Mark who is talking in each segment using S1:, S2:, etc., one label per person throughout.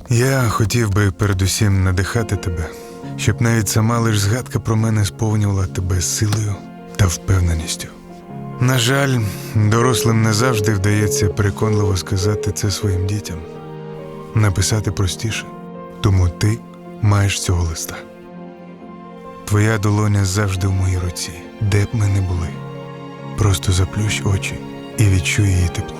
S1: Я хотів би передусім надихати тебе, щоб навіть сама лиш згадка про мене сповнювала тебе силою та впевненістю. На жаль, дорослим не завжди вдається переконливо сказати це своїм дітям. Написати простіше, тому ти маєш цього листа. Твоя долоня завжди в моїй руці, де б ми не були. Просто заплющ очі і відчуй її тепло.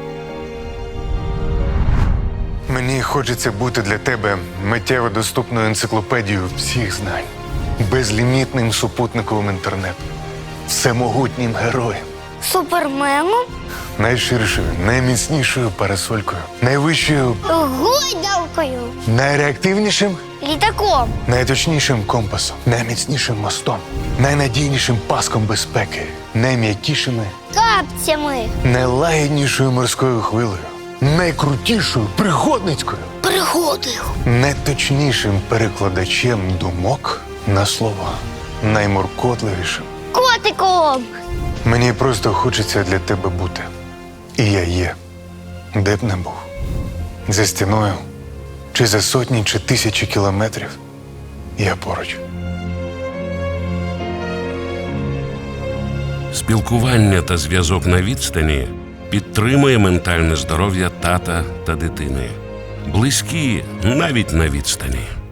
S1: Мені хочеться бути для тебе миттєво доступною енциклопедією всіх знань, безлімітним супутниковим інтернетом, всемогутнім героєм,
S2: Суперменом?
S1: найширшою, найміцнішою парасолькою, найвищою,
S2: Гойдалкою?
S1: найреактивнішим,
S2: Літаком?
S1: найточнішим компасом, найміцнішим мостом, найнадійнішим паском безпеки, найм'якішими,
S2: Капцями?
S1: найлагіднішою морською хвилею, найкрутішою пригодницькою,
S2: Пригодою?
S1: найточнішим перекладачем думок на слова, наймуркотливішим.
S2: Котиком?
S1: Мені просто хочеться для тебе бути. І я є, де б не був. За стіною, чи за сотні, чи тисячі кілометрів, я поруч.
S3: Спілкування та зв'язок на відстані підтримує ментальне здоров'я тата та дитини. Близькі навіть на відстані.